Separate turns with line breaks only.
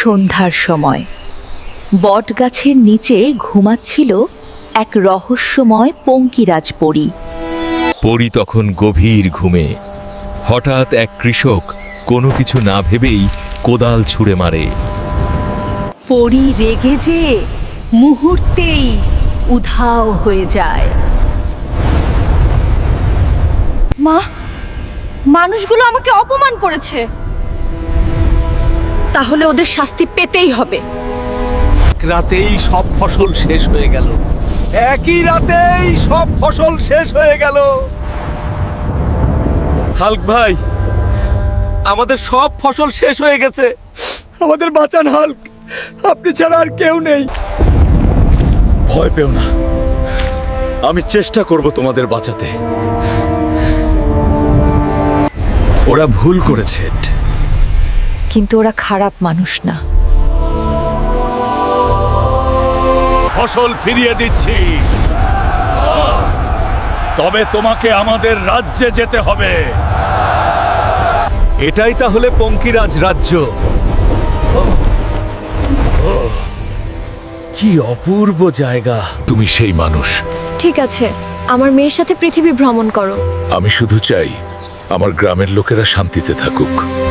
সন্ধ্যার সময় বটগাছের নিচে ঘুমাচ্ছিল এক রহস্যময় পঙ্কিরাজ পরী।
পরী তখন গভীর ঘুমে। হঠাৎ এক কৃষক কোনো কিছু না ভেবেই কোদাল ছুঁড়ে মারে।
পরী রেগে যে মুহূর্তেই উধাও হয়ে যায়।
মা, মানুষগুলো আমাকে অপমান করেছে, তাহলে ওদের শাস্তি পেতেই হবে।
রাতেই সব ফসল শেষ হয়ে গেল। একই রাতেই সব ফসল শেষ হয়ে গেল। হাল্ক ভাই, আমাদের সব ফসল শেষ হয়ে গেছে। আমাদের বাঁচান হাল্ক, আপনি ছাড়া আর কেউ নেই। ভয় পেও না, আমি চেষ্টা করব তোমাদের বাঁচাতে। ওরা ভুল করেছে,
কিন্তু ওরা খারাপ মানুষ না।
ফসল ফিরিয়ে দিচ্ছি, তবে তোমাকে আমাদের রাজ্যে যেতে হবে। এটাই তাহলে পঙ্কিরাজ রাজ্য। কি অপূর্ব জায়গা। তুমি সেই মানুষ।
ঠিক আছে, আমার মেয়ের সাথে পৃথিবী ভ্রমণ করো।
আমি শুধু চাই আমার গ্রামের লোকেরা শান্তিতে থাকুক।